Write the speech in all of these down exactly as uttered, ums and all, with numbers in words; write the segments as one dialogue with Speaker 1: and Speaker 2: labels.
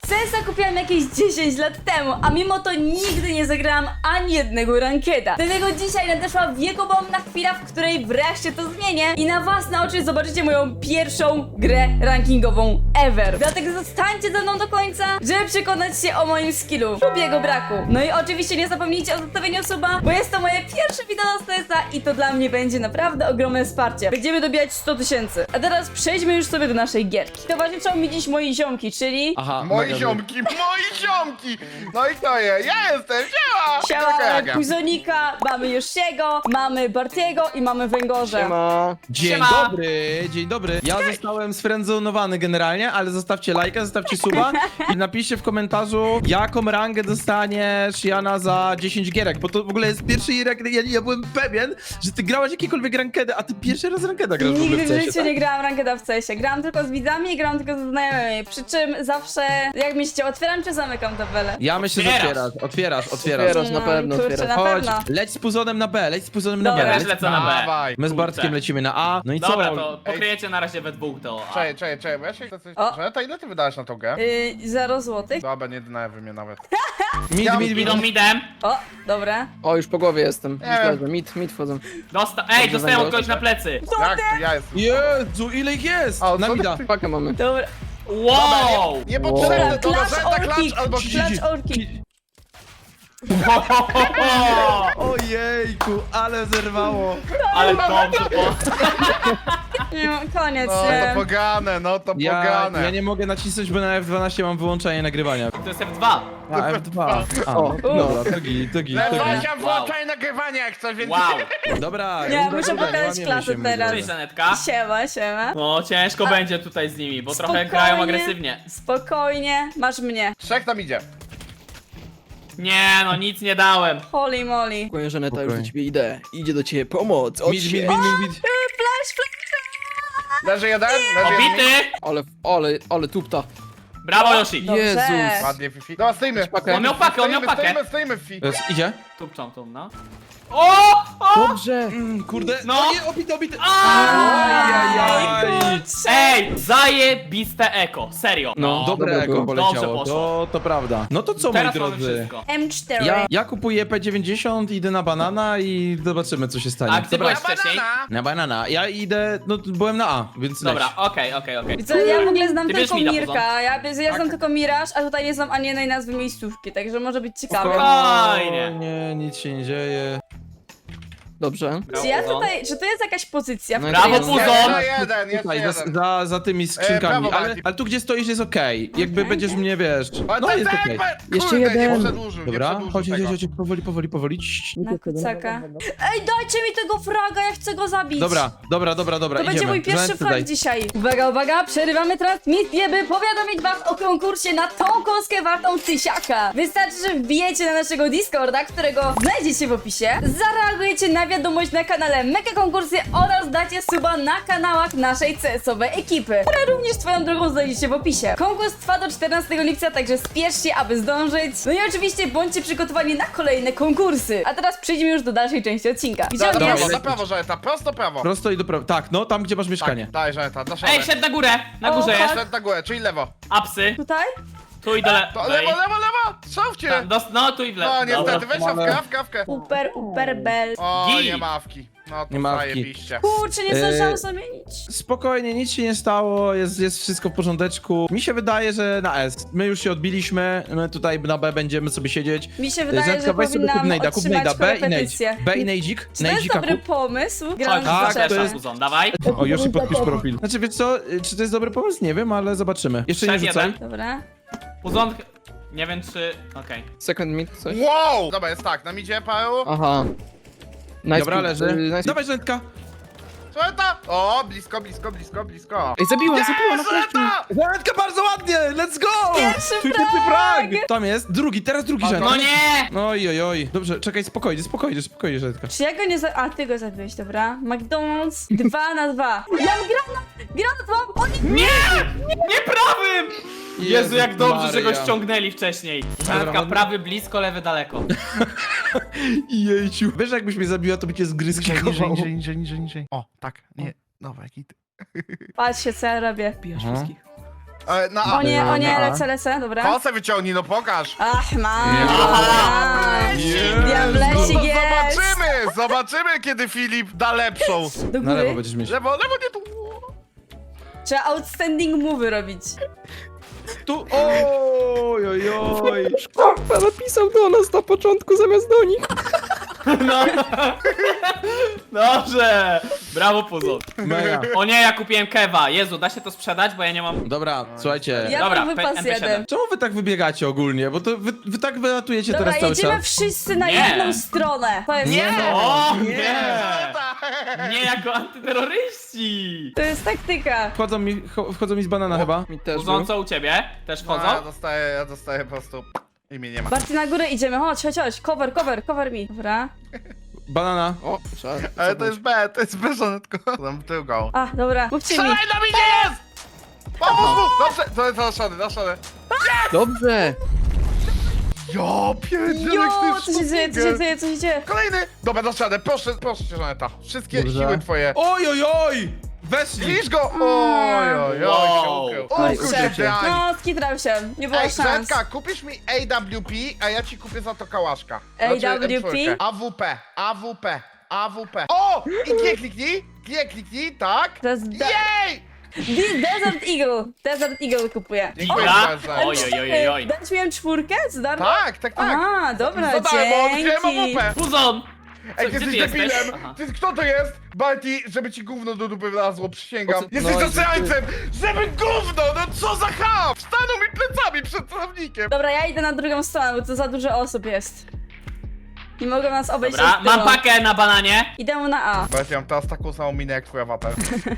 Speaker 1: C S a kupiłam jakieś dziesięć lat temu, a mimo to nigdy nie zagrałam ani jednego rankeda. Dlatego dzisiaj nadeszła wiekobomna chwila, w której wreszcie to zmienię i na własne oczy zobaczycie moją pierwszą grę rankingową ever. Dlatego zostańcie ze mną do końca, żeby przekonać się o moim skillu lub jego braku. No i oczywiście nie zapomnijcie o zostawieniu suba, bo jest to moje pierwsze wideo z C S a i to dla mnie będzie naprawdę ogromne wsparcie. Będziemy dobijać sto tysięcy. A teraz przejdźmy już sobie do naszej gierki. Towarzyszą mi dziś moi ziomki, czyli...
Speaker 2: Aha,
Speaker 3: Moi
Speaker 2: mega
Speaker 3: ziomki, moi ziomki! No i kto je? Ja jestem, siema!
Speaker 1: Siema,
Speaker 3: Taka
Speaker 1: mamy
Speaker 3: jaka.
Speaker 1: Puzonika, mamy Yoshiego, mamy Bartiego i mamy Węgorza.
Speaker 4: Siema.
Speaker 2: Dzień
Speaker 5: Siema.
Speaker 2: dobry, dzień dobry. Ja zostałem sfriendzonowany generalnie, ale zostawcie lajka, zostawcie suba i napiszcie w komentarzu, jaką rangę dostaniesz Jana za dziesięć gierek, bo to w ogóle jest pierwszy gierek, ja, ja byłem pewien, że ty grałaś jakiekolwiek rankedy, a ty pierwszy raz rankeda grasz w ogóle
Speaker 1: Nigdy
Speaker 2: w
Speaker 1: w
Speaker 2: cesie,
Speaker 1: życiu
Speaker 2: tak?
Speaker 1: nie grałam rankeda w C S ie. Grałam tylko z widzami i grałam tylko ze znajomymi. Przy czym zawsze, jak myślicie, otwieram czy zamykam tabelę?
Speaker 2: Ja myślę, że
Speaker 5: Otwierasz.
Speaker 2: otwierasz, otwierasz, otwierasz.
Speaker 4: Otwierasz na pewno,
Speaker 1: kurczę,
Speaker 4: otwierasz.
Speaker 1: na
Speaker 2: Chodź,
Speaker 1: pewno.
Speaker 2: leć z puzonem na B, leć z puzonem na
Speaker 1: Dobra.
Speaker 2: B.
Speaker 5: Ja
Speaker 2: leć
Speaker 5: też lecę na B.
Speaker 3: Dawaj.
Speaker 2: My z Bartkiem
Speaker 5: Kurczę.
Speaker 2: lecimy na A, no i
Speaker 5: Dobra,
Speaker 2: co?
Speaker 5: to pokryjecie na razie we dwóch to. A.
Speaker 3: Czekaj, czekaj, czekaj, bo ja się chcę coś...
Speaker 1: O.
Speaker 3: Żaneta, ile ty wydałeś na tą grę?
Speaker 1: Yy, zero złotych.
Speaker 3: Dobra, nie denerwuj mnie nawet.
Speaker 2: Mid, mid, mid.
Speaker 5: Idą midem.
Speaker 1: O, dobra.
Speaker 4: O, już po głowie jestem. Już
Speaker 3: Nie.
Speaker 4: leżę. Mit, mit wchodzą.
Speaker 5: Dosta Ej, dostałem od kogoś na plecy.
Speaker 3: Jak to ja jestem?
Speaker 2: Jezu, ile ich jest?
Speaker 3: A,
Speaker 2: Na
Speaker 3: co
Speaker 2: mida.
Speaker 3: ty-
Speaker 4: Pakę mamy.
Speaker 1: Dobra.
Speaker 5: Wow!
Speaker 3: Niepotrzebne, to
Speaker 1: Klacz
Speaker 3: Żaneta,
Speaker 1: orki,
Speaker 3: klacz albo
Speaker 1: klacz orki.
Speaker 2: Ojejku, ale zerwało.
Speaker 5: Ale dobrze, bo...
Speaker 1: Nie, koniec.
Speaker 3: No to
Speaker 1: nie.
Speaker 3: pogane, no to
Speaker 2: Ja,
Speaker 3: pogane.
Speaker 2: ja nie mogę nacisnąć, bo na F dwanaście mam wyłączenie nagrywania.
Speaker 5: To jest F dwa.
Speaker 2: A, F dwa. A,
Speaker 4: O,
Speaker 2: no, dobra, to git, to git, to git.
Speaker 3: Lewasia,
Speaker 5: Wow.
Speaker 3: włączaj nagrywanie jak coś, więc...
Speaker 5: Wow.
Speaker 2: Dobra,
Speaker 1: Nie,
Speaker 2: runda
Speaker 1: muszę
Speaker 2: druga,
Speaker 1: pokazać
Speaker 2: łamiemy
Speaker 1: klasę
Speaker 2: się, my
Speaker 1: teraz.
Speaker 5: Cześć,
Speaker 2: drodzy.
Speaker 5: Żanetka.
Speaker 1: Siema, siema.
Speaker 5: No, ciężko będzie tutaj z nimi, bo trochę
Speaker 1: Spokojnie.
Speaker 5: grają agresywnie.
Speaker 1: Spokojnie, masz mnie.
Speaker 3: Trzech tam idzie.
Speaker 5: Nie, no nic nie dałem.
Speaker 1: Holy moly.
Speaker 4: Spokojnie, Żaneta, już do
Speaker 2: Spokojnie.
Speaker 4: ciebie idę. Idzie do ciebie pomoc. Od
Speaker 2: Mid, mid,
Speaker 4: się.
Speaker 2: mid, mid, mid.
Speaker 1: Flash, flash.
Speaker 3: Leży jeden, leży jeden.
Speaker 5: Obity!
Speaker 4: Ale, ale, ale tupta.
Speaker 5: Brawo, Yoshi.
Speaker 1: Dobrze.
Speaker 4: Jezus.
Speaker 3: Ładnie, Fifi. Dobra, stoimy.
Speaker 4: pakę.
Speaker 5: On miał pakę, on miał
Speaker 3: Stoimy,
Speaker 5: pakę.
Speaker 3: Stoimy, stoimy, Fifi.
Speaker 2: Jest, idzie?
Speaker 5: Tupczą tu, no. O! O!
Speaker 4: Dobrze.
Speaker 2: Mm, kurde,
Speaker 5: No.
Speaker 2: no nie, obity, obity.
Speaker 5: Ajajaj.
Speaker 1: Kurczę.
Speaker 5: Ej, zajebiste eko, serio.
Speaker 2: No, dobre
Speaker 4: Dobre
Speaker 2: eko
Speaker 4: było.
Speaker 2: poleciało,
Speaker 5: Dobrze poszło.
Speaker 2: to, to prawda. No to co, moi
Speaker 5: Teraz mamy
Speaker 2: drodzy?
Speaker 5: wszystko.
Speaker 1: M cztery.
Speaker 2: Ja, ja kupuję P dziewięćdziesiąt, idę na banana i zobaczymy, co się stanie.
Speaker 5: A gdzie byłeś wcześniej?
Speaker 3: Banana.
Speaker 2: Na banana. Ja idę, no byłem na A, więc leć.
Speaker 5: Dobra, okej, okej, okej.
Speaker 1: Co, ja w ogóle znam
Speaker 5: Ty bierz
Speaker 1: tylko
Speaker 5: mi na
Speaker 1: Mirka, ja, ja znam tylko Miraż, a tutaj nie znam ani jednej nazwy miejscówki, także może być ciekawe.
Speaker 5: Spokojnie.
Speaker 2: O, nie, nic się nie dzieje.
Speaker 4: Dobrze.
Speaker 1: Czy ja tutaj, czy to jest jakaś pozycja, w
Speaker 4: No i
Speaker 1: której
Speaker 5: Brawo,
Speaker 1: jest...
Speaker 5: Puzon!
Speaker 3: Jeszcze jeden, jeszcze
Speaker 2: Tutaj, za,
Speaker 3: jeden.
Speaker 2: za, za tymi skrzynkami,
Speaker 3: brawo,
Speaker 2: ale,
Speaker 3: Bartek.
Speaker 2: ale tu gdzie stoisz jest okej. Jakby będziesz mnie, wiesz...
Speaker 3: Ale
Speaker 2: No
Speaker 3: tak,
Speaker 2: jest
Speaker 3: tak,
Speaker 2: okej.
Speaker 3: tak,
Speaker 4: Jeszcze
Speaker 3: kurde,
Speaker 4: jeden.
Speaker 3: Nie przedłużył, nie
Speaker 2: Dobra,
Speaker 3: przedłużył
Speaker 2: chodź, chodź,
Speaker 3: tego.
Speaker 2: chodź, powoli, powoli, powoli. Cii.
Speaker 1: Na kucaka. Ej, dajcie mi tego fraga, ja chcę go zabić.
Speaker 2: Dobra, dobra, dobra, dobra,
Speaker 1: To
Speaker 2: idziemy.
Speaker 1: będzie mój pierwszy
Speaker 2: Żanetce
Speaker 1: frag
Speaker 2: daj.
Speaker 1: dzisiaj. Uwaga, uwaga, przerywamy transmisję, by powiadomić was o konkursie na tą kostkę wartą tysiaka. Wystarczy, że wbijecie na naszego Discorda, którego znajdziecie w opisie, zareagujecie na wiadomość na kanale Mega Konkursy oraz dacie suba na kanałach naszej C S owej ekipy, które również swoją drogą znajdziecie w opisie. Konkurs trwa do czternastego lipca, także spieszcie, aby zdążyć. No i oczywiście bądźcie przygotowani na kolejne konkursy. A teraz przejdźmy już do dalszej części odcinka.
Speaker 3: Na
Speaker 1: Widziałem
Speaker 3: prawo,
Speaker 1: jest...
Speaker 3: na prawo, Żaneta, prosto prawo.
Speaker 2: Prosto i do prawa. Tak, no tam gdzie masz mieszkanie.
Speaker 3: Tak, daj, Żaneta, dasz
Speaker 5: Ej,
Speaker 3: radę.
Speaker 5: szedł na górę! Na
Speaker 1: O,
Speaker 5: górze
Speaker 1: tak.
Speaker 5: jest.
Speaker 3: Szedł na górę, czyli lewo.
Speaker 5: Apsy.
Speaker 1: Tutaj?
Speaker 5: Tu i dole.
Speaker 3: To lewo, lewo, lewo! Szałcie!
Speaker 5: Tam, dos- No, tu i w lewo.
Speaker 3: No niestety,
Speaker 5: Dobra.
Speaker 3: weź
Speaker 2: mamy-
Speaker 3: szafkę, kawkę.
Speaker 1: Uper, uper, bel.
Speaker 3: O,
Speaker 5: Git.
Speaker 3: nie mawki. No to
Speaker 2: Nie mawki.
Speaker 3: zajebiście.
Speaker 1: Kurczę, nie
Speaker 2: Eee,
Speaker 1: zdążyłam zamienić.
Speaker 2: Spokojnie, nic się nie stało, jest, jest wszystko w porządeczku. Mi się wydaje, że na S. My już się odbiliśmy, my tutaj na B będziemy sobie siedzieć.
Speaker 1: Mi się wydaje,
Speaker 2: Żetka,
Speaker 1: że
Speaker 2: weź sobie kup
Speaker 1: powinnam
Speaker 2: nejda, kup
Speaker 1: otrzymać
Speaker 2: nejda, B i nejdź.
Speaker 1: korepetycję.
Speaker 2: B i nejdzik,
Speaker 1: Czy to jest
Speaker 2: nejdzika
Speaker 1: dobry
Speaker 2: kup.
Speaker 1: pomysł?
Speaker 5: Chodź,
Speaker 1: Grałam
Speaker 2: tak,
Speaker 1: w
Speaker 2: to
Speaker 1: zaczepę.
Speaker 2: jest-
Speaker 5: Puzon, dawaj.
Speaker 2: O, Yoshi podpisz profil. Znaczy, wiesz co, czy to jest dobry pomysł? Nie wiem, ale zobaczymy. Jeszcze nie
Speaker 5: Szef
Speaker 2: rzucaj.
Speaker 5: jeden.
Speaker 1: Dobra.
Speaker 5: Puzon... Nie wiem czy... Okej.
Speaker 4: Second mid, coś?
Speaker 3: Wow! Dobra, jest tak, nam idzie paru.
Speaker 4: Aha. Nice
Speaker 2: Dobra,
Speaker 4: pick,
Speaker 2: leży.
Speaker 4: y, nice
Speaker 2: Dawaj, Żanetka.
Speaker 3: Żaneta! O, blisko, blisko, blisko, blisko.
Speaker 4: Ej, zabiła, zabiła na kości.
Speaker 3: Żaneta!
Speaker 2: Żanetka, bardzo ładnie, let's go!
Speaker 1: Pierwszy
Speaker 2: Twój
Speaker 1: frag!
Speaker 2: pierwszy frag! Tam jest, drugi, teraz drugi
Speaker 3: No
Speaker 2: Żanetka.
Speaker 5: No nie!
Speaker 2: Oj, oj, oj. Dobrze, czekaj, spokojnie, spokojnie, spokojnie, Żanetka.
Speaker 1: Czy ja go nie za... A, ty go zabiłeś, dobra. McDonald's dwa na dwa. Ja mam granat! Granat mam! O nie!
Speaker 5: Nie! Nie prawym! Jezu, jak dobrze, że go
Speaker 2: Maria.
Speaker 5: ściągnęli wcześniej.
Speaker 2: Dobra,
Speaker 5: Żanka,
Speaker 2: no-
Speaker 5: prawy blisko, lewy daleko.
Speaker 2: Jejciu. Wiesz, jakbyś mnie zabiła, to by cię z gry
Speaker 3: Niżej, niżej,
Speaker 2: skikowało.
Speaker 3: niżej, niżej, niżej, niżej. O, tak, nie. Dobra, jaki ty.
Speaker 1: Patrzcie, co ja robię.
Speaker 4: Bijasz
Speaker 2: Aha.
Speaker 4: wszystkich.
Speaker 3: E, na
Speaker 1: O
Speaker 3: A.
Speaker 1: nie, o nie,
Speaker 2: A.
Speaker 1: lecę, lecę, dobra.
Speaker 3: Kosę wyciągnij, no pokaż.
Speaker 1: Ach, mam.
Speaker 3: Aha.
Speaker 2: Jezu.
Speaker 1: Diablecik
Speaker 3: No to
Speaker 1: jest.
Speaker 3: zobaczymy, zobaczymy kiedy Filip da lepszą.
Speaker 1: Do
Speaker 2: Na lewo
Speaker 1: góry.
Speaker 2: będziesz mieć.
Speaker 3: Lewo, lewo, nie tu.
Speaker 1: Trzeba outstanding move robić.
Speaker 2: Tu, oj, oj, oj.
Speaker 4: Szkoda, napisał do nas na początku zamiast do nich.
Speaker 5: No. Dobrze! Brawo, Puzo.
Speaker 2: Mega.
Speaker 5: O nie, ja kupiłem kewa. Jezu, da się to sprzedać, bo ja nie mam...
Speaker 2: Dobra, słuchajcie.
Speaker 1: Ja
Speaker 5: Dobra,
Speaker 1: mam
Speaker 5: P-
Speaker 1: wypas
Speaker 5: M P siedem.
Speaker 1: jeden.
Speaker 2: Czemu wy tak wybiegacie ogólnie? Bo to wy, wy tak wylatujecie
Speaker 1: Dobra,
Speaker 2: teraz cały
Speaker 1: jedziemy
Speaker 2: czas.
Speaker 1: wszyscy na
Speaker 5: Nie.
Speaker 1: jedną stronę. To jest,
Speaker 3: Nie.
Speaker 5: O
Speaker 2: Nie.
Speaker 5: nie! Nie jako antyterroryści!
Speaker 1: to jest taktyka.
Speaker 2: Wchodzą mi, cho- wchodzą mi z banana chyba.
Speaker 4: Mi też
Speaker 5: Puzo,
Speaker 4: był.
Speaker 5: co u ciebie? Też
Speaker 3: No, ja
Speaker 5: wchodzą?
Speaker 3: dostaję, ja dostaję po prostu i mnie nie ma.
Speaker 1: Bardziej na górę idziemy, chodź, chodź, chodź. Cover, cover, cover mi. Dobra.
Speaker 2: Banana.
Speaker 4: O, trzeba...
Speaker 3: Ale to jest B, to jest B, żonetko. Tam tył go.
Speaker 1: A, dobra, mówcie mi.
Speaker 3: Strzelaj na mnie jest! Pomóż mu! Dobrze, to jest naszony, naszony.
Speaker 4: Dobrze!
Speaker 3: Ja pierdzielek,
Speaker 1: Jo,
Speaker 3: ty
Speaker 1: co się dzieje, co się dzieje, co się dzieje?
Speaker 3: Kolejny! Dobra, dasz radę, proszę, proszę cię, Żaneta. Wszystkie
Speaker 2: Dobrze.
Speaker 3: siły twoje.
Speaker 2: Oj, oj, oj! Weszli!
Speaker 3: Zniszcz go! Oj, oj, oj,
Speaker 5: Wow.
Speaker 3: się ukrył.
Speaker 1: Oj,
Speaker 3: Ukrył
Speaker 1: się.
Speaker 3: się, Diani.
Speaker 1: No, skitrał się, nie było
Speaker 3: Ej,
Speaker 1: szans.
Speaker 3: Żetka, kupisz mi A W P, a ja ci kupię za to kałaszka.
Speaker 1: A W P?
Speaker 3: M cztery. A W P, A W P, A W P. O! I G kliknij, G kliknij, tak.
Speaker 1: To jest da-
Speaker 3: Jej!
Speaker 1: Di- Desert Eagle. Desert Eagle kupuję.
Speaker 3: Dziękuję
Speaker 5: Dobra.
Speaker 3: bardzo.
Speaker 5: Oj, oj, oj, oj, oj.
Speaker 1: Dać mi M cztery za darmo?
Speaker 3: Tak, tak, tak.
Speaker 1: A, dobra,
Speaker 3: Za darmo, odkryłem A W
Speaker 1: dzięki.
Speaker 3: P.
Speaker 5: Puzon!
Speaker 3: Ej,
Speaker 5: Co,
Speaker 3: ty
Speaker 5: gdzie
Speaker 3: jesteś
Speaker 5: ty jesteś?
Speaker 3: debilem!
Speaker 5: Aha.
Speaker 3: Ty, kto to jest? Balti, żeby ci gówno do dupy wlazło, przysięgam.
Speaker 4: O co-
Speaker 3: Jesteś
Speaker 4: no,
Speaker 3: zasrańcem! Żeby gówno! No co za ham! Wstaną mi plecami przed celownikiem!
Speaker 1: Dobra, ja idę na drugą stronę, bo to za dużo osób jest. Nie mogą nas obejść
Speaker 5: Dobra,
Speaker 1: od tyłu.
Speaker 5: mam pakę na bananie.
Speaker 1: Idę na A.
Speaker 3: Balti, mam teraz taką samą minę jak twój awatar.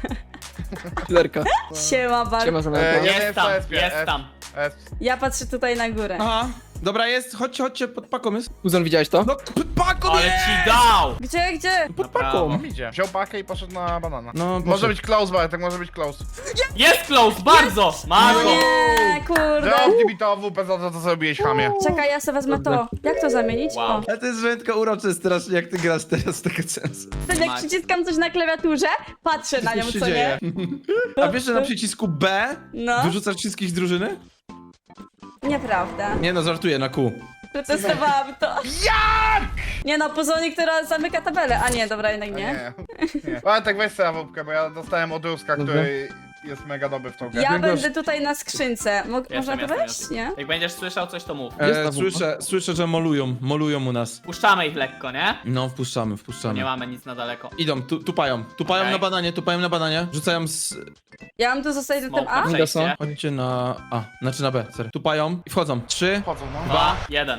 Speaker 4: Killerka.
Speaker 1: Siema, bar.
Speaker 4: Siema
Speaker 3: E,
Speaker 4: Zaneta.
Speaker 3: ja-
Speaker 5: Jest
Speaker 3: jest
Speaker 5: tam,
Speaker 3: to S P,
Speaker 5: jest
Speaker 3: S.
Speaker 5: tam.
Speaker 3: S.
Speaker 1: Ja patrzę tutaj na górę.
Speaker 2: Aha. Dobra, jest, chodźcie, chodźcie, pod paką jest.
Speaker 4: Puzon, widziałeś to?
Speaker 2: No, pod paką
Speaker 5: Ale
Speaker 2: jest!
Speaker 5: ci dał!
Speaker 1: Gdzie, gdzie?
Speaker 2: Pod
Speaker 5: Dobra.
Speaker 2: paką.
Speaker 3: On idzie. Wziął pakę i poszedł na banana.
Speaker 2: No,
Speaker 3: Może
Speaker 2: poszedł.
Speaker 3: być close, Bartek, może być close.
Speaker 5: Jest close, bardzo! Masz
Speaker 1: No
Speaker 5: go!
Speaker 1: nie, kurde.
Speaker 3: Zamknij mi to A W P za to, co zrobiłeś, chamie.
Speaker 1: Czekaj, ja sobie wezmę to. Jak to zamienić?
Speaker 5: Wow.
Speaker 1: O.
Speaker 2: Ale to jest rzędko urocze strasznie, jak ty grasz teraz z tego sensu.
Speaker 1: Wtedy jak przyciskam coś na klawiaturze, patrzę na nią,
Speaker 2: Co się
Speaker 1: co
Speaker 2: dzieje?
Speaker 1: nie?
Speaker 2: A wiesz, że na przycisku B
Speaker 1: No.
Speaker 2: wyrzucasz wszystkich z drużyny?
Speaker 1: Nieprawda.
Speaker 2: Nie no, żartuję, na Q.
Speaker 1: Przetestowałam to.
Speaker 3: Jak?
Speaker 1: Nie no, Puzonik, która zamyka tabelę. A nie, dobra, jednak nie.
Speaker 3: Nie. nie. Bartek, weź sobie A W P, bo ja dostałem od Ruska,
Speaker 4: Dobra.
Speaker 3: który jest mega dobry w tą grę.
Speaker 1: Ja
Speaker 2: Jak
Speaker 1: będę
Speaker 2: gość-
Speaker 1: tutaj na skrzynce. Mo można
Speaker 5: Jestem,
Speaker 1: tu
Speaker 5: jestem,
Speaker 1: wejść?
Speaker 5: jestem.
Speaker 1: Nie?
Speaker 5: Jak będziesz słyszał coś, to mów.
Speaker 4: Jest
Speaker 2: E,
Speaker 4: ta
Speaker 2: słyszę, słyszę, że molują, molują u nas.
Speaker 5: Puszczamy ich lekko, nie?
Speaker 2: No, wpuszczamy,
Speaker 5: Nie
Speaker 2: wpuszczamy.
Speaker 5: mamy nic na daleko.
Speaker 2: Idą, tu, tupają, tupają
Speaker 5: Okej.
Speaker 2: na bananie, tupają na bananie. Rzucają z...
Speaker 1: Ja mam tu zostać na tym
Speaker 5: Smoke
Speaker 1: A?
Speaker 5: na
Speaker 4: Mida są.
Speaker 5: przejście.
Speaker 2: Chodźcie na A, znaczy na B, sorry. Tupają i wchodzą. Trzy.
Speaker 3: Chodzą, no.
Speaker 5: Dwa, jeden.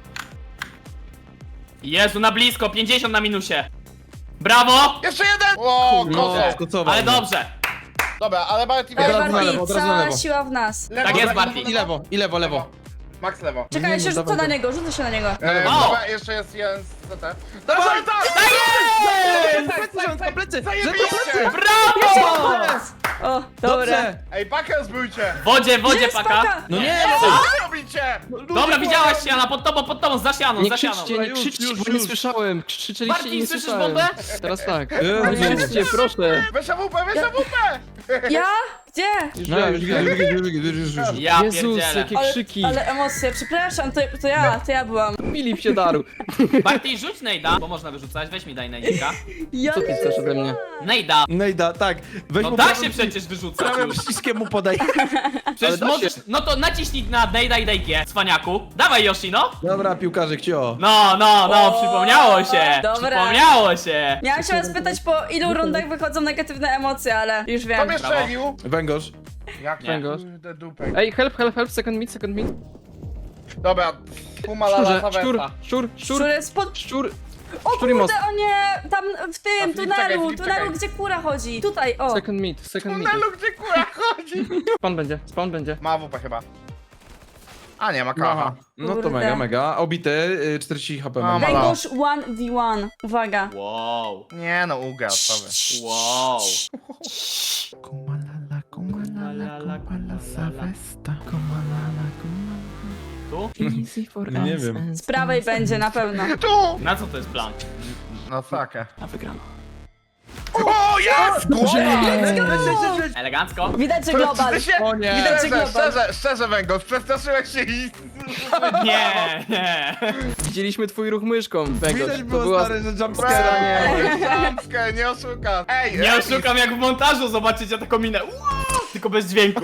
Speaker 5: Jezu, na blisko, pięćdziesiąt na minusie. Brawo!
Speaker 3: Jeszcze jeden! O,
Speaker 2: No,
Speaker 3: kozo.
Speaker 2: skocował.
Speaker 5: Ale dobrze.
Speaker 3: Dobra, ale Bartek...
Speaker 2: Od
Speaker 1: Ej,
Speaker 2: razu na
Speaker 1: Barti,
Speaker 2: lewo, od razu na
Speaker 1: cała
Speaker 2: lewo.
Speaker 1: siła w nas.
Speaker 3: Lewo,
Speaker 5: Tak jest,
Speaker 3: lewo,
Speaker 5: Barti.
Speaker 2: I lewo, i lewo, lewo.
Speaker 3: Max lewo.
Speaker 1: Czekaj, ja się
Speaker 2: nie,
Speaker 1: rzucę
Speaker 2: dawaj
Speaker 1: na
Speaker 2: go.
Speaker 1: niego, rzucę się na niego.
Speaker 3: E,
Speaker 5: O!
Speaker 3: dobra, jeszcze jest jeden z C T. Dobra, tak!
Speaker 2: Plecy, rządko, plecy!
Speaker 3: Zajebiście!
Speaker 5: Brawo!
Speaker 1: O, dobra.
Speaker 2: Dobrze!
Speaker 3: Ej, pakę zbójcie!
Speaker 5: W wodzie, w wodzie
Speaker 1: Jest
Speaker 5: paka.
Speaker 1: paka.
Speaker 2: No nie,
Speaker 3: Co
Speaker 2: no!
Speaker 3: wy robicie?
Speaker 5: Dobra, widziałaś Siana, pod tobą, pod tobą, za sianą,
Speaker 4: Nie
Speaker 5: za sianą.
Speaker 4: krzyczcie, nie
Speaker 2: Już,
Speaker 4: krzyczcie,
Speaker 2: już,
Speaker 4: bo nie
Speaker 2: już.
Speaker 4: słyszałem. Krzyczeliście i
Speaker 5: Barti,
Speaker 4: nie
Speaker 5: słyszysz
Speaker 4: słyszałem.
Speaker 5: bombę?
Speaker 4: Teraz tak.
Speaker 2: Jezu.
Speaker 4: Nie krzyczcie, proszę.
Speaker 3: Weź A W P, weź A W P!
Speaker 1: Ja? Gdzie?
Speaker 4: Już
Speaker 2: No,
Speaker 4: wiem,
Speaker 2: już
Speaker 4: już
Speaker 2: widzę,
Speaker 4: wiem.
Speaker 2: już widzę, już widzę, już widzę.
Speaker 5: Ja
Speaker 4: Jezus,
Speaker 5: pierdzielę.
Speaker 4: jakie
Speaker 1: Ale,
Speaker 4: krzyki.
Speaker 1: ale emocje, przepraszam, to, to ja, to ja byłam.
Speaker 4: Filip się darł.
Speaker 5: Barti, rzuć nejda, bo można wyrzucać, weź mi daj nejdika.
Speaker 1: Ja
Speaker 4: Co ty chcesz ode mnie?
Speaker 5: Nejda.
Speaker 2: No i da, tak. Weź
Speaker 5: No
Speaker 2: mu
Speaker 5: da
Speaker 2: prawym-
Speaker 5: się przecież wyrzucać
Speaker 2: Prawym
Speaker 5: już.
Speaker 2: przyciskiem mu podaj.
Speaker 5: Przecież
Speaker 4: Ale da
Speaker 5: możesz,
Speaker 4: się.
Speaker 5: no to naciśnij na nejda i daj G, cwaniaku. Dawaj Yoshi, no.
Speaker 2: Dobra, piłkarzyk, cio.
Speaker 5: No, no, no,
Speaker 1: O,
Speaker 5: przypomniało się.
Speaker 1: dobra.
Speaker 5: Przypomniało się.
Speaker 1: Miałam się was pytać, po ilu rundach wychodzą negatywne emocje, ale już
Speaker 3: Kto
Speaker 1: wiem.
Speaker 3: mnie
Speaker 5: Brawo.
Speaker 3: strzelił?
Speaker 2: Węgorz.
Speaker 3: Jak
Speaker 5: Nie.
Speaker 3: to? Kurde, dupek.
Speaker 4: Ej, help, help, help, second meet, second meet.
Speaker 3: Dobra, pumalala
Speaker 4: Szczurze, szczur,
Speaker 3: zaweta.
Speaker 4: szczur,
Speaker 1: Szczur
Speaker 4: szczur,
Speaker 1: jest pod...
Speaker 4: szczur.
Speaker 1: O
Speaker 4: Szczur i most.
Speaker 1: kurde, o nie! Tam w tym
Speaker 3: A, Filip, czekaj,
Speaker 1: tunelu,
Speaker 3: Filip,
Speaker 1: tunelu,
Speaker 3: czekaj.
Speaker 1: gdzie kura chodzi. Tutaj, o.
Speaker 4: Second meet, second meet.
Speaker 3: Tunelu, gdzie kura chodzi?
Speaker 4: Spawn będzie, spawn będzie.
Speaker 3: Ma A W P chyba. A nie, ma
Speaker 2: Aha.
Speaker 3: kawa.
Speaker 2: No to
Speaker 1: Kurde.
Speaker 2: mega, mega. Obity, y, czterdzieści H P
Speaker 3: A,
Speaker 2: mam.
Speaker 3: ma-
Speaker 1: Węgorz jeden v jeden. Uwaga.
Speaker 5: Wow,
Speaker 3: Nie no, uga, sorry.
Speaker 5: wow.
Speaker 2: Kumalala,
Speaker 5: kumalala, kumalala,
Speaker 2: zawesta.
Speaker 5: Tu?
Speaker 4: Easy for
Speaker 2: No nie
Speaker 4: us
Speaker 2: wiem.
Speaker 4: and
Speaker 1: Z prawej będzie na pewno.
Speaker 3: Tu!
Speaker 5: Na co to jest plan?
Speaker 3: No sakę.
Speaker 5: Ja wygram.
Speaker 3: O! O, jest!
Speaker 5: Elegancko.
Speaker 1: Widać, że global.
Speaker 3: Ty się...
Speaker 2: O nie.
Speaker 1: Widać, że
Speaker 3: Szczerze,
Speaker 1: global.
Speaker 3: szczerze, szczerze, Węgorz, przestraszyłeś się i...
Speaker 5: Nie, nie.
Speaker 4: Widzieliśmy twój ruch myszką, Węgorz.
Speaker 2: Widać
Speaker 4: To
Speaker 2: było,
Speaker 4: była...
Speaker 2: stary, że jumpscare'a nie.
Speaker 3: Jumpscare, nie oszukasz. Ej,
Speaker 5: Nie
Speaker 3: ej,
Speaker 5: oszukam, jak w montażu zobaczycie taką minę. Wow, tylko bez dźwięku.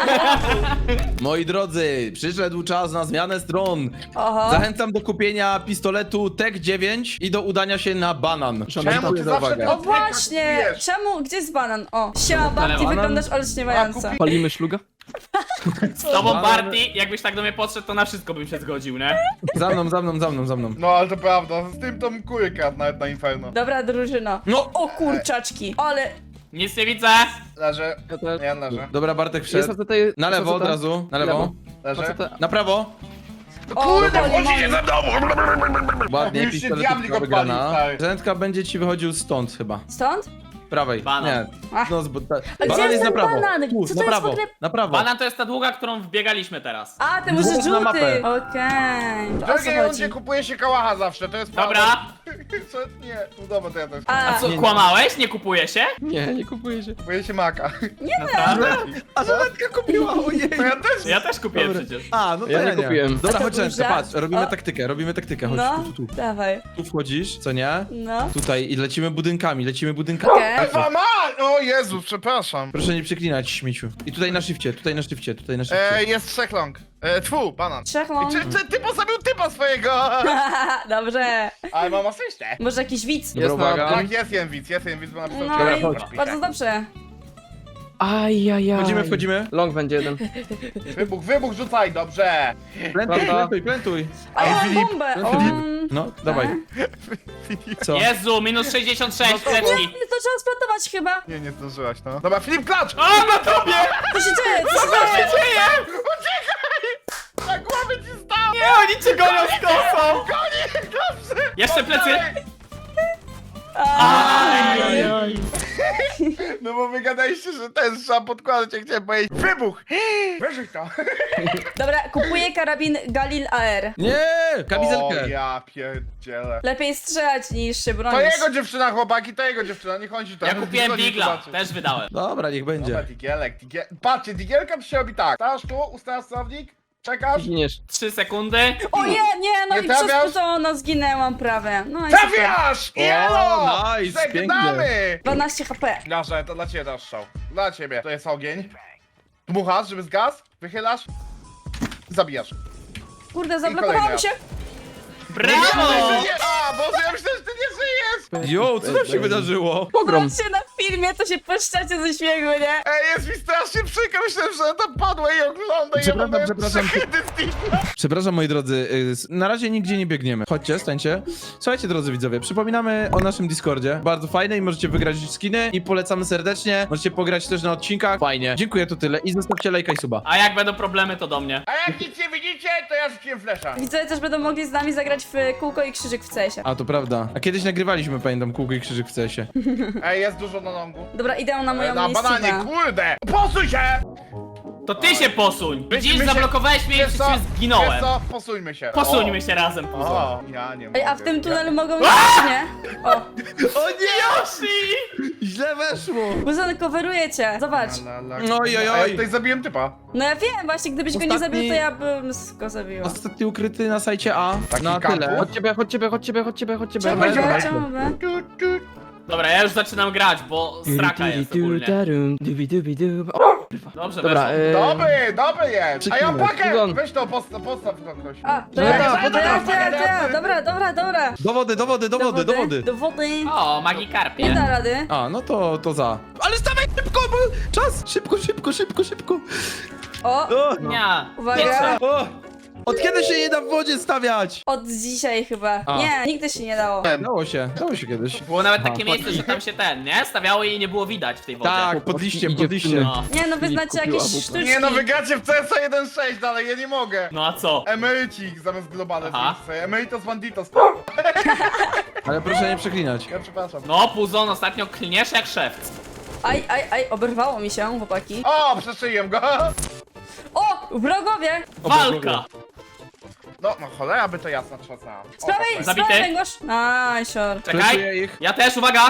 Speaker 2: Moi drodzy, przyszedł czas na zmianę stron.
Speaker 1: Oho.
Speaker 2: Zachęcam do kupienia pistoletu T E C dziewięć i do udania się na banan.
Speaker 3: Czemu
Speaker 2: Dziękuję
Speaker 3: ty
Speaker 2: za
Speaker 3: zawsze
Speaker 2: uwagę.
Speaker 3: to-
Speaker 1: O właśnie!
Speaker 3: kupujesz?
Speaker 1: Czemu? Gdzie jest banan? O, siema
Speaker 5: Ale
Speaker 1: babci,
Speaker 5: banan?
Speaker 1: wyglądasz olśniewająco.
Speaker 3: A, kupi-
Speaker 4: Palimy szluga?
Speaker 5: Z tobą, Barty, jakbyś tak do mnie podszedł, to na wszystko bym się zgodził, nie?
Speaker 2: Za mną, za mną, za mną, za mną.
Speaker 3: No, ale to prawda, z tym to mkuję kart nawet na Inferno.
Speaker 1: Dobra drużyno.
Speaker 2: No.
Speaker 1: O kurczaczki, ale...
Speaker 5: Nic nie widzę.
Speaker 3: Leży.
Speaker 4: Ja też.
Speaker 3: Nie, leży.
Speaker 2: Dobra, Bartek
Speaker 4: Jest
Speaker 2: wszedł.
Speaker 4: A C T,
Speaker 2: Na lewo od
Speaker 4: A C T.
Speaker 2: razu, na lewo.
Speaker 3: Leży.
Speaker 4: A C T.
Speaker 2: Na prawo.
Speaker 1: O,
Speaker 3: Kurde,
Speaker 1: boli,
Speaker 3: wchodzicie
Speaker 1: boli.
Speaker 3: ze mną!
Speaker 2: Ładnie,
Speaker 3: Już się
Speaker 2: pistolet
Speaker 3: diabli go
Speaker 2: wygrana.
Speaker 3: pali, stary.
Speaker 2: Rzędka będzie ci wychodził stąd chyba.
Speaker 1: Stąd?
Speaker 2: Prawej.
Speaker 5: Banan.
Speaker 2: Nie.
Speaker 1: Ach.
Speaker 2: No, zbo- ta...
Speaker 1: A gdzie
Speaker 2: banan
Speaker 1: jest
Speaker 2: na
Speaker 1: ten
Speaker 2: prawo.
Speaker 1: banan?
Speaker 2: Tu,
Speaker 1: Co
Speaker 2: na
Speaker 1: to jest w
Speaker 2: prawo.
Speaker 1: ogóle?
Speaker 2: Na prawo.
Speaker 5: Banan to jest ta długa, którą wbiegaliśmy teraz.
Speaker 1: A, ten może
Speaker 2: Dwóch na
Speaker 1: żółty.
Speaker 2: mapę.
Speaker 1: Okej.
Speaker 3: W
Speaker 1: To o co
Speaker 3: drugiej
Speaker 1: chodzi?
Speaker 3: rundzie kupuje się kałacha zawsze, to jest
Speaker 5: Dobra.
Speaker 3: prawda. Co? Nie, no dobra, to ja też.
Speaker 1: A,
Speaker 5: A co,
Speaker 2: Nie, nie.
Speaker 5: kłamałeś? Nie kupuje się?
Speaker 4: Nie, nie kupuję się.
Speaker 3: Kupuje się maka.
Speaker 5: Naprawdę?
Speaker 2: A Żeletka kupiła, ojej.
Speaker 3: To ja też.
Speaker 5: Ja też kupiłem
Speaker 2: Dobra.
Speaker 5: przecież.
Speaker 2: A, no to
Speaker 4: Ja
Speaker 2: ja,
Speaker 4: nie
Speaker 2: nie.
Speaker 4: kupiłem.
Speaker 2: Dobra,
Speaker 1: A to
Speaker 2: chodź
Speaker 1: był
Speaker 2: Rzędka,
Speaker 1: żart.
Speaker 2: patrz, robimy
Speaker 1: O.
Speaker 2: taktykę, robimy taktykę, chodź
Speaker 1: no,
Speaker 2: tu, tu, tu.
Speaker 1: dawaj.
Speaker 2: Tu wchodzisz, co nie?
Speaker 1: No.
Speaker 2: Tutaj i lecimy budynkami, lecimy budynkami.
Speaker 1: Okej.
Speaker 3: Ewa ma! O Jezu, przepraszam.
Speaker 2: Proszę nie przeklinać, śmieciu. I tutaj na shifcie, tutaj na shifcie, tutaj na shifcie.
Speaker 3: E, jest trzech long. E, tfu, banan.
Speaker 1: Trzech
Speaker 3: I
Speaker 1: mam.
Speaker 3: Czy, czy ty postawił typa swojego?
Speaker 1: Dobrze.
Speaker 3: Ale mam asystę.
Speaker 1: Może jakiś widz?
Speaker 2: Dobra,
Speaker 4: Jest na
Speaker 2: uwaga.
Speaker 3: Tak, jest jeden widz, jest jeden widz, bo napisał
Speaker 1: No
Speaker 3: cztery
Speaker 1: i
Speaker 3: podpisze.
Speaker 1: bardzo dobrze.
Speaker 4: Ajajaj.
Speaker 2: Wchodzimy, wchodzimy.
Speaker 4: Long będzie jeden.
Speaker 3: Wybuch, wybuch, rzucaj, dobrze.
Speaker 2: Plantuj,
Speaker 4: Prawda?
Speaker 2: plantuj, plantuj.
Speaker 1: A ja mam
Speaker 3: Filip,
Speaker 1: bombę.
Speaker 2: Filip.
Speaker 1: Um,
Speaker 2: No, dawaj. Co?
Speaker 5: Jezu, minus sześćdziesiąt sześć,
Speaker 3: No to-
Speaker 5: leczki.
Speaker 1: to trzeba splantować chyba.
Speaker 3: Nie, nie zdążyłaś, no. Dobra, Filip, klacz!
Speaker 5: O, na tobie!
Speaker 1: Co się dzieje? Co się dzieje?
Speaker 5: Dzieje!
Speaker 3: Uciekaj! Na głowę ci stał!
Speaker 5: Nie, oni cię gonią z kosą!
Speaker 3: Koniec, dobrze!
Speaker 5: Jeszcze plecy.
Speaker 1: Aj.
Speaker 3: No bo wy gadaliście, że ten trzeba podkładać, jak chciałem powiedzieć. Wybuch! Wyrzuć to!
Speaker 1: Dobra, kupuję karabin Galil A R.
Speaker 2: Nie!
Speaker 3: O,
Speaker 2: Kamizelkę.
Speaker 3: ja pierdzielę.
Speaker 1: Lepiej strzelać niż się
Speaker 3: To
Speaker 1: bronić.
Speaker 3: jego dziewczyna, chłopaki, to jego dziewczyna, nie chodzi tam.
Speaker 5: Ja kupiłem
Speaker 3: Chodzi,
Speaker 5: Digla,
Speaker 3: zobaczy.
Speaker 5: też wydałem.
Speaker 2: Dobra, niech
Speaker 3: Dobra,
Speaker 2: będzie.
Speaker 3: digielek, digiel... Patrzcie, digielka to się robi tak. Stasz tu, ustawiasz sterownik, czekasz.
Speaker 4: Giniesz.
Speaker 5: Trzy sekundy.
Speaker 1: O nie, nie, no
Speaker 3: Nie
Speaker 1: i przez
Speaker 3: trafiasz?
Speaker 1: to no zginęłam prawie. No i super.
Speaker 3: Trafiasz! Jelo!
Speaker 2: nice,
Speaker 3: Żegnamy!
Speaker 1: dwanaście H P.
Speaker 3: Nasze, to dla ciebie dasz strzał. Dla ciebie. To jest ogień. Dmuchasz, żeby zgasł, wychylasz. Zabijasz.
Speaker 1: Kurde, zablokowałam
Speaker 3: kolejny
Speaker 1: się.
Speaker 5: Brawo!
Speaker 3: Nie, a, Boże, ja myślałem, że ty nie żyjesz!
Speaker 2: Jo, co tam się wydarzyło?
Speaker 4: Pogrom.
Speaker 1: Patrzcie na filmie, to się peszczacie ze śmiechu, nie?
Speaker 3: Ej, jest mi strasznie przykro, myślałem, że tam padła i ogląda i ja
Speaker 2: Przepraszam,
Speaker 3: mam
Speaker 2: przepraszam.
Speaker 3: przechydy z Digla.
Speaker 2: Przepraszam, moi drodzy, y, s- na razie nigdzie nie biegniemy. Chodźcie, stańcie. Słuchajcie, drodzy widzowie, przypominamy o naszym Discordzie. Bardzo fajne i możecie wygrać skiny i polecamy serdecznie. Możecie pograć też na odcinkach. Fajnie. Dziękuję, to tyle i zostawcie lajka i suba.
Speaker 5: A jak będą problemy, to do mnie.
Speaker 3: A jak nic nie widzicie, to ja rzuciłem flesza.
Speaker 1: Widzowie też będą mogli z nami zagrać w kółko i krzyżyk w C S ie.
Speaker 2: A, to prawda. A kiedyś nagrywaliśmy, pamiętam, kółko i krzyżyk w C S ie.
Speaker 3: Ej, jest dużo na longu.
Speaker 1: Dobra, idę na moją
Speaker 3: Na bananie,
Speaker 1: miejscówkę.
Speaker 3: kurde! Posuń się!
Speaker 5: To ty się posuń! Widzisz,
Speaker 3: my się-
Speaker 5: zablokowałeś mnie i
Speaker 3: Wiesz
Speaker 5: przez
Speaker 3: co?
Speaker 5: ciebie
Speaker 3: Wiesz
Speaker 5: zginąłem.
Speaker 3: co? Posuńmy się.
Speaker 5: Posuńmy się razem, puzo.
Speaker 3: O, ja nie mogę.
Speaker 1: Ej, a w tym
Speaker 3: ja-
Speaker 1: tunelu mogą iść, czy nie? O,
Speaker 2: O nie!
Speaker 5: Yoshi!
Speaker 2: Źle weszło!
Speaker 1: Buzon, coveruje cię. Zobacz.
Speaker 3: La, la,
Speaker 2: Oj, oj,
Speaker 3: A ja
Speaker 2: oj.
Speaker 3: tutaj zabiłem typa.
Speaker 1: No ja wiem, właśnie gdybyś go nie
Speaker 2: Ostatni-
Speaker 1: zabił, to ja bym go zabiła.
Speaker 2: Ostatni ukryty na sajcie A.
Speaker 3: Taki
Speaker 2: Na
Speaker 3: kampu?
Speaker 2: tyle.
Speaker 4: Chodź ciebie, chodź ciebie, chodź ciebie, chodź ciebie, chodź ciebie.
Speaker 1: Czemu
Speaker 3: Dawaj,
Speaker 1: by?
Speaker 3: dawaj.
Speaker 1: Czemu by?
Speaker 3: Tu, tu.
Speaker 5: Dobra, ja już zaczynam grać, bo straka jest ogólnie. Dobrze,
Speaker 4: Dobra,
Speaker 5: weszło.
Speaker 4: e...
Speaker 3: Dobry, dobry jest. A ja
Speaker 2: Przeklinę.
Speaker 3: pakę!
Speaker 4: Buzon.
Speaker 3: Weź to, postaw, postaw to ktoś.
Speaker 1: A, to
Speaker 4: No
Speaker 1: ja,
Speaker 4: tak,
Speaker 1: to ja, to ja, to ja, to ja.
Speaker 3: tak.
Speaker 1: Dobra, dobra, dobra.
Speaker 2: Do wody, do wody, do wody, do wody.
Speaker 1: Do wody.
Speaker 5: O,
Speaker 1: Nie
Speaker 5: Magikarpie.
Speaker 1: da rady.
Speaker 2: A, no to, to za. Ale stawaj szybko, bo czas! Szybko, szybko, szybko, szybko.
Speaker 1: O,
Speaker 2: O,
Speaker 5: Nie.
Speaker 1: Uwaga.
Speaker 5: Nie chcę.
Speaker 2: o. Od kiedy się nie da w wodzie stawiać?
Speaker 1: od dzisiaj chyba.
Speaker 2: A.
Speaker 1: Nie, nigdy się nie dało.
Speaker 2: Dało się, dało się kiedyś.
Speaker 5: Było nawet
Speaker 2: Aha.
Speaker 5: takie miejsce, że tam się ten, nie? Stawiało i nie było widać w tej wodzie.
Speaker 2: Tak, pod liściem,
Speaker 4: Idzie
Speaker 2: pod
Speaker 4: w
Speaker 2: liściem.
Speaker 4: tunel.
Speaker 5: No.
Speaker 1: Nie, no wy
Speaker 4: Filip
Speaker 1: znacie
Speaker 4: kupił
Speaker 1: jakieś
Speaker 4: A W P.
Speaker 1: sztuczki.
Speaker 3: Nie no, wygracie w C S jeden sześć dalej, ja nie mogę.
Speaker 5: No a co?
Speaker 3: Emerycik zamiast globale
Speaker 5: Aha.
Speaker 3: z Emeritos banditos.
Speaker 2: Ale proszę nie przeklinać.
Speaker 3: Ja przepraszam.
Speaker 5: No, Puzon, ostatnio klniesz jak szewc.
Speaker 1: Aj, aj, aj, oberwało mi się, chłopaki.
Speaker 3: O, przeszyję go.
Speaker 1: O, wrogowie!
Speaker 5: Walka!
Speaker 3: No, no cholera by to jasna trzasnęła.
Speaker 1: Z prawej, z
Speaker 5: Zabity.
Speaker 1: prawej, gosz. Nice, sure.
Speaker 5: Czekaj,
Speaker 2: Flashuję ich.
Speaker 5: ja też, uwaga!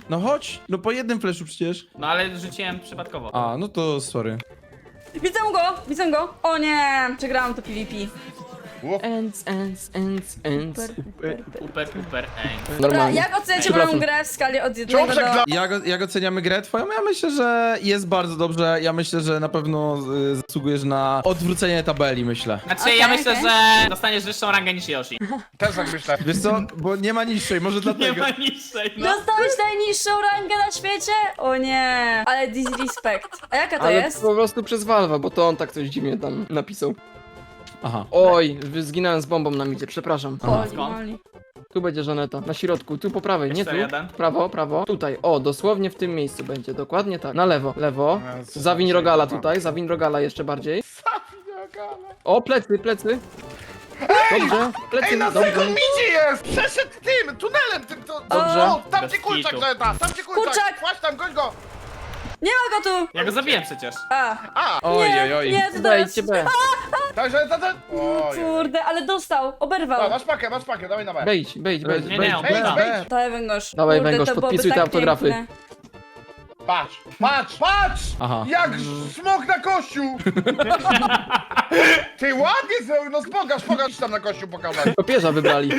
Speaker 2: No chodź, no po jednym flashu przecież.
Speaker 5: No ale rzuciłem przypadkowo.
Speaker 2: A, no to sorry.
Speaker 1: Widzę go, widzę go. O nie, przegrałam to PvP.
Speaker 3: Uf.
Speaker 4: Ends, ends, ends, ends.
Speaker 1: Super, super, super.
Speaker 5: Uper, uper, eng.
Speaker 1: Dobra,
Speaker 4: Normalnie.
Speaker 1: jak oceniacie
Speaker 4: Przepraszam.
Speaker 1: moją grę w skali od
Speaker 3: Czemu
Speaker 1: jednego do...
Speaker 3: przegrał?
Speaker 2: Jak, jak oceniamy grę twoją? Ja myślę, że jest bardzo dobrze. Ja myślę, że na pewno y, zasługujesz na odwrócenie tabeli, myślę.
Speaker 5: Znaczy,
Speaker 1: Okej,
Speaker 5: ja myślę,
Speaker 1: okej.
Speaker 5: że dostaniesz wyższą rangę niż Yoshi.
Speaker 3: Też tak myślę.
Speaker 2: Wiesz co, bo nie ma niższej, może
Speaker 5: Nie
Speaker 2: dlatego.
Speaker 5: ma niższej, no.
Speaker 1: Dostałeś najniższą rangę na świecie? O nie, ale disrespect. A jaka to
Speaker 4: Ale
Speaker 1: jest?
Speaker 4: po prostu przez Valve'a, bo to on tak coś dziwnie tam napisał.
Speaker 2: Aha.
Speaker 4: Oj, wy- zginąłem z bombą na midzie, przepraszam.
Speaker 2: Aha.
Speaker 1: Oli,
Speaker 5: Skąd?
Speaker 1: oli.
Speaker 4: Tu będzie Żaneta, na środku, tu po prawej, nie tu.
Speaker 5: cztery jeden.
Speaker 4: Prawo, prawo, tutaj, o, dosłownie w tym miejscu będzie, dokładnie tak. Na lewo, lewo.
Speaker 3: Jezu,
Speaker 4: Zawiń rogala
Speaker 3: kurwa.
Speaker 4: tutaj, zawiń rogala jeszcze bardziej. O, plecy, plecy. Dobrze, plecy,
Speaker 3: Ej, na
Speaker 4: dobrze.
Speaker 3: second midzie jest! Przeszedł tym, tunelem tym, to...
Speaker 4: Dobrze.
Speaker 3: O, tam
Speaker 5: Bez
Speaker 3: ci kurczak,
Speaker 5: kitu.
Speaker 3: Leta, tam ci kurczak!
Speaker 1: Kurczak!
Speaker 3: Właśnie tam, goń go!
Speaker 1: Nie ma go tu!
Speaker 5: Ja go zabiłem przecież.
Speaker 1: A,
Speaker 3: A!
Speaker 2: Oj,
Speaker 1: nie,
Speaker 2: oj, oj.
Speaker 1: nie, to teraz...
Speaker 4: Dajcie B.
Speaker 3: Także, ta, ta... Ojej.
Speaker 1: Kurde, ale dostał, oberwał.
Speaker 3: Dobra, masz pakę, masz pakę, dawaj na B.
Speaker 4: Wejdź, wejdź, wejdź.
Speaker 5: Nie,
Speaker 4: wejdź.
Speaker 5: nie, on
Speaker 3: Wejdź,
Speaker 5: da.
Speaker 3: wejdź!
Speaker 1: Dawaj węgorz.
Speaker 4: Dawaj,
Speaker 1: Kurde,
Speaker 4: węgorz,
Speaker 1: to byłoby
Speaker 4: podpisuj te
Speaker 1: tak
Speaker 4: autografy.
Speaker 1: piękne.
Speaker 3: Patrz, patrz, patrz!
Speaker 2: Aha.
Speaker 3: Jak smok na kościół! Ty ładnie zrobił, no pokaż, pokaż tam na kościół pokazać.
Speaker 4: Papieża wybrali.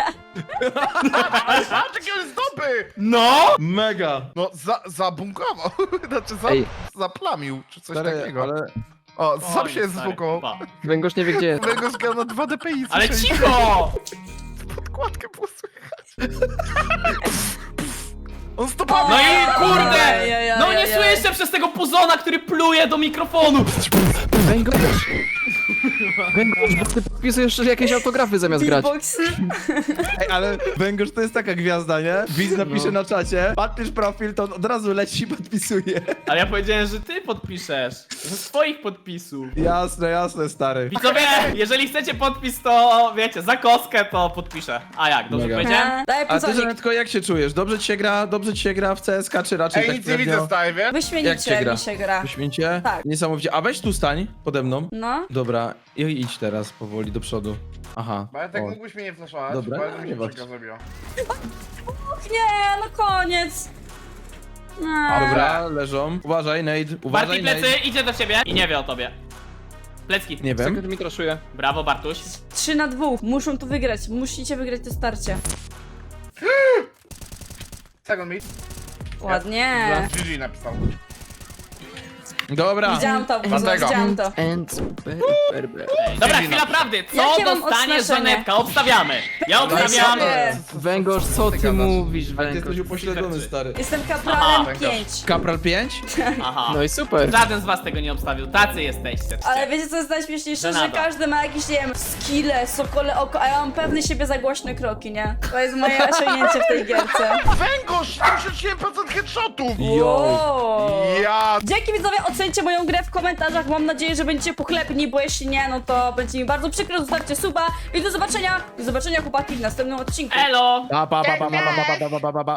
Speaker 3: Ale patrz, jaki on jest dobry!
Speaker 5: No!
Speaker 2: Mega.
Speaker 3: No, za, zabunkował, znaczy za,
Speaker 4: Ej.
Speaker 3: zaplamił, czy coś
Speaker 2: Stary,
Speaker 3: takiego.
Speaker 2: ale...
Speaker 3: O, sam
Speaker 5: Oj,
Speaker 3: się
Speaker 5: stary,
Speaker 3: zbukował.
Speaker 5: pa.
Speaker 4: Węgorz nie wie gdzie jest.
Speaker 3: Tego zgrał na dwa D P I,
Speaker 5: Ale
Speaker 3: słyszeliście?
Speaker 5: cicho!
Speaker 3: Podkładkę było słychać. On stopował!
Speaker 5: No i kurde!
Speaker 1: Ajajaj,
Speaker 5: No nie
Speaker 1: ajajaj.
Speaker 5: słyszę przez tego puzona, który pluje do mikrofonu!
Speaker 4: Węgorz. Węgorz, bo ty podpisujesz jakieś autografy zamiast grać.
Speaker 1: Beatbox.
Speaker 2: Ej, ale Węgorz to jest taka gwiazda, nie? Widz napisze
Speaker 4: No.
Speaker 2: na czacie, patrzysz profil, to on od razu leci i podpisuje.
Speaker 5: Ale ja powiedziałem, że ty podpiszesz. Ze swoich podpisów.
Speaker 2: Jasne, jasne, stary.
Speaker 5: Widzowie, jeżeli chcecie podpis, to wiecie, za kostkę to podpiszę. A jak, dobrze
Speaker 2: Mega.
Speaker 5: powiedziałem?
Speaker 1: A, Daj
Speaker 2: A ty,
Speaker 1: puconik.
Speaker 2: Żanetko, jak się czujesz? Dobrze ci się gra? Dobrze ci się gra w C S K, czy raczej
Speaker 3: Ej,
Speaker 2: tak
Speaker 3: nic nie
Speaker 2: średnio?
Speaker 3: widzę, stary, wie?
Speaker 2: Jak cię
Speaker 1: Wyśmienicie
Speaker 2: gra?
Speaker 1: mi się gra.
Speaker 2: Wyśmienicie?
Speaker 1: Tak.
Speaker 2: Niesamowicie. A weź tu stań, pode mną.
Speaker 1: No.
Speaker 2: Dobra, i idź teraz powoli do przodu. Aha.
Speaker 3: Bartek,
Speaker 2: o.
Speaker 3: mógłbyś mnie nie flashować?
Speaker 2: Dobra,
Speaker 3: Bardzo mi
Speaker 2: nie
Speaker 3: się
Speaker 2: bać.
Speaker 3: przykro zrobiło.
Speaker 1: Nie, no koniec. Nie.
Speaker 2: Dobra, leżą. Uważaj, Nate, uważaj,
Speaker 5: Barti plecy,
Speaker 2: Nate.
Speaker 5: idzie do ciebie i nie wie o tobie. Plecki.
Speaker 2: Nie wiem.
Speaker 4: Sekund mi traszuje.
Speaker 5: Brawo, Bartuś.
Speaker 1: Trzy na dwóch. Muszą to wygrać. Musicie wygrać to starcie.
Speaker 3: Second mid.
Speaker 1: Ładnie.
Speaker 3: G G napisał.
Speaker 2: Dobra.
Speaker 1: Widziałam to,
Speaker 3: Dlatego.
Speaker 1: widziałam to.
Speaker 4: And super, super, super.
Speaker 5: Ej, dobra, chwila prawdy. Co
Speaker 1: Jakie mam
Speaker 5: dostanie
Speaker 1: odznaczenie?
Speaker 5: Żanetka? Obstawiamy. Ja obstawiam...
Speaker 1: sobie.
Speaker 4: Węgorz, co ty
Speaker 3: gadasz?
Speaker 4: mówisz,
Speaker 2: Ale ty
Speaker 4: Węgorz?
Speaker 2: jesteś upośledzony,
Speaker 5: Rzeczy.
Speaker 2: stary.
Speaker 1: Jestem
Speaker 5: Aha.
Speaker 1: kapralem pięć.
Speaker 2: Kapral pięć?
Speaker 5: Aha.
Speaker 4: No i super.
Speaker 5: Żaden z was tego nie obstawił. Tacy jesteście.
Speaker 1: Ale wiecie co jest najśmieszniejsze? Że
Speaker 5: Żenada.
Speaker 1: każdy ma jakieś, nie wiem, skille, sokole oko, a ja mam pewny siebie za głośne kroki, nie? To jest moje osiągnięcie w tej gierce.
Speaker 3: Węgorz, siedemdziesiąt siedem procent headshotów!
Speaker 1: Wow.
Speaker 3: Ja...
Speaker 1: Dzięki widzowie, ocencie moją grę w komentarzach. Mam nadzieję, że będziecie pochlebni, bo jeśli nie, no to będzie mi bardzo przykro. Zostawcie suba i do zobaczenia. Do zobaczenia chłopaki w następnym odcinku.
Speaker 5: Elo!
Speaker 2: Pa, pa, pa, pa, pa, pa, pa, pa, pa, pa, pa.